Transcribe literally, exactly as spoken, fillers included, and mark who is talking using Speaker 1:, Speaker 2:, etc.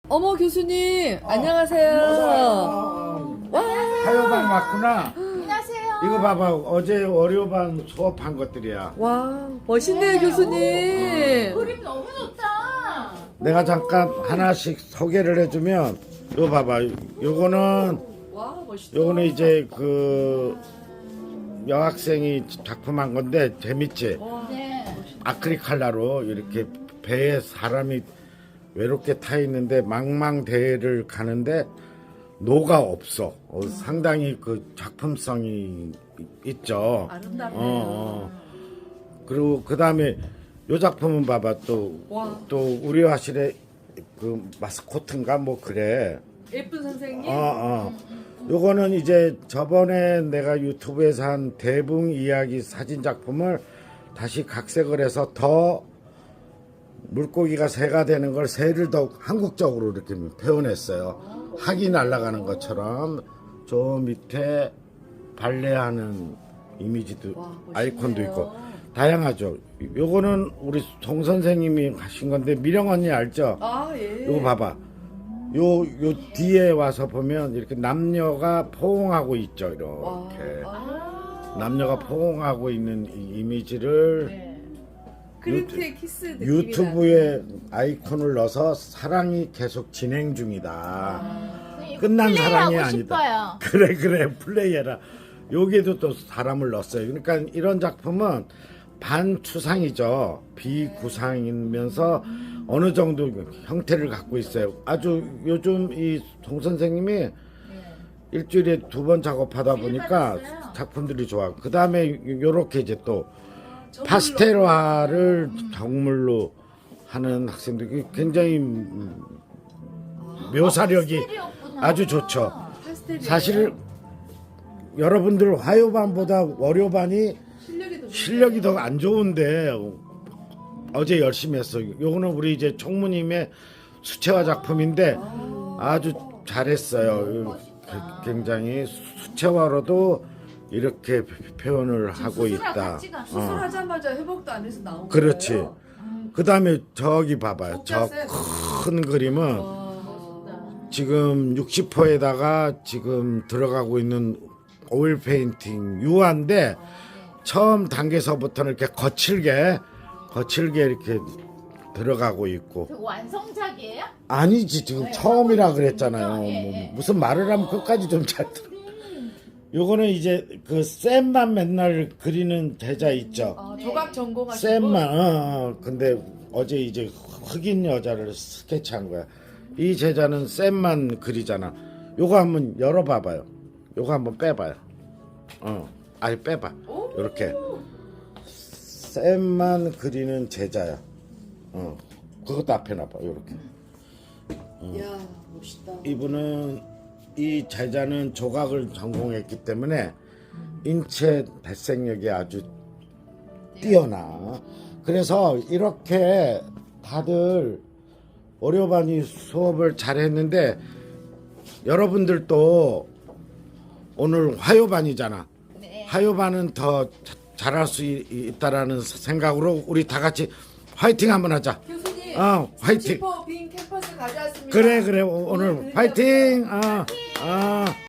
Speaker 1: 어머 교수님 안녕하세요. 와.
Speaker 2: 화요반 왔구나.
Speaker 3: 안녕하세요.
Speaker 2: 이거 봐봐. 어제 월요반 수업한 것들이야.
Speaker 1: 와 멋있네요 교수님.
Speaker 3: 그림 너무 좋다.
Speaker 2: 내가 잠깐 하나씩 소개를 해주면 이거 봐봐. 요거는
Speaker 1: 와 멋있다.
Speaker 2: 요거는 이제 그 여학생이 작품한 건데 재밌지?
Speaker 3: 네.
Speaker 2: 아크릴 칼라로 이렇게 배에 사람이 외롭게 타 있는데 망망대해를 가는데 노가 없어. 어, 상당히 그 작품성이 있죠.
Speaker 1: 아름답네요.
Speaker 2: 어, 어. 그리고 그 다음에 요 작품은 봐봐 또 또
Speaker 1: 와.
Speaker 2: 우리 화실의 그 마스코트인가 뭐 그래.
Speaker 1: 예쁜 선생님.
Speaker 2: 어, 어. 요거는 이제 저번에 내가 유튜브에서 한 대붕 이야기 사진 작품을 다시 각색을 해서 더 물고기가 새가 되는 걸 새를 더 한국적으로 이렇게 표현했어요. 학이 날아가는 것처럼 저 밑에 발레하는 이미지도
Speaker 1: 와, 멋있네요.
Speaker 2: 아이콘도 있고 다양하죠. 요거는 우리 송 선생님이 하신 건데 미령 언니 알죠?
Speaker 1: 아 예.
Speaker 2: 요거 봐봐. 요, 요 뒤에 와서 보면 이렇게 남녀가 포옹하고 있죠. 이렇게.
Speaker 1: 아.
Speaker 2: 남녀가 포옹하고 있는 이 이미지를
Speaker 3: 네.
Speaker 1: 크림트의 키스 느낌이
Speaker 2: 유튜브에 아이콘을 넣어서 사랑이 계속 진행 중이다. 끝난 사랑이
Speaker 3: 플레이하고
Speaker 2: 아니다.
Speaker 3: 싶어요.
Speaker 2: 그래 그래 플레이해라. 여기에도 또 사람을 넣었어요. 그러니까 이런 작품은 반추상이죠. 비구상이면서 어느 정도 형태를 갖고 있어요. 아주 요즘 이 송 선생님이 일주일에 두 번 작업하다 보니까
Speaker 3: 받았어요.
Speaker 2: 작품들이 좋아. 그 다음에 요렇게 이제 또 파스텔화를 정물로 하는 학생들이 굉장히 음, 묘사력이
Speaker 3: 스테레오구나.
Speaker 2: 아주 좋죠.
Speaker 1: 파스텔이에요.
Speaker 2: 사실 여러분들 화요반보다 월요반이
Speaker 1: 실력이 더
Speaker 2: 실력이 더 안 좋은데 어제 열심히 했어. 요거는 우리 이제 총무님의 수채화 작품인데 아주 잘했어요. 굉장히 수채화로도 이렇게 표현을 하고
Speaker 3: 수술하고
Speaker 2: 있다.
Speaker 3: 같이 갔어.
Speaker 2: 어.
Speaker 1: 수술하자마자 회복도 안 해서 나온
Speaker 2: 그렇지.
Speaker 1: 거예요.
Speaker 2: 그 다음에 저기 봐봐요. 저
Speaker 1: 속자세.
Speaker 2: 큰 그림은
Speaker 1: 와.
Speaker 2: 지금 육십 호에다가 지금 들어가고 있는 오일 페인팅 유화인데 처음 단계서부터는 이렇게 거칠게 거칠게 이렇게 들어가고 있고
Speaker 3: 그 완성작이에요?
Speaker 2: 아니지 지금 처음이라 그랬잖아요.
Speaker 3: 예,
Speaker 2: 뭐
Speaker 3: 예.
Speaker 2: 무슨 말을 하면 끝까지 좀 잘 들어. 요거는 이제 그 쌤만 맨날 그리는 제자 있죠.
Speaker 1: 아, 조각 전공하시고.
Speaker 2: 쌤만 어, 어. 근데 어제 이제 흑인 여자를 스케치한 거야. 이 제자는 쌤만 그리잖아. 요거 한번 열어봐봐요. 요거 한번 빼봐요. 어, 아니 빼봐. 요렇게 쌤만 그리는 제자야. 어, 그것도 앞에 놔봐. 요렇게.
Speaker 1: 이야 멋있다.
Speaker 2: 이분은 이 제자는 조각을 전공했기 때문에 인체 발생력이 아주 뛰어나. 그래서 이렇게 다들 월요반이 수업을 잘했는데 여러분들도 오늘 화요반이잖아.
Speaker 3: 네.
Speaker 2: 화요반은 더 자- 잘할 수 있- 있다라는 생각으로 우리 다 같이 화이팅 한번 하자.
Speaker 1: 교수님.
Speaker 2: 어, 화이팅.
Speaker 1: 슈퍼 빈 캠퍼스 가져왔습니다.
Speaker 2: 그래 그래 오- 오늘 화이팅. 어, 어.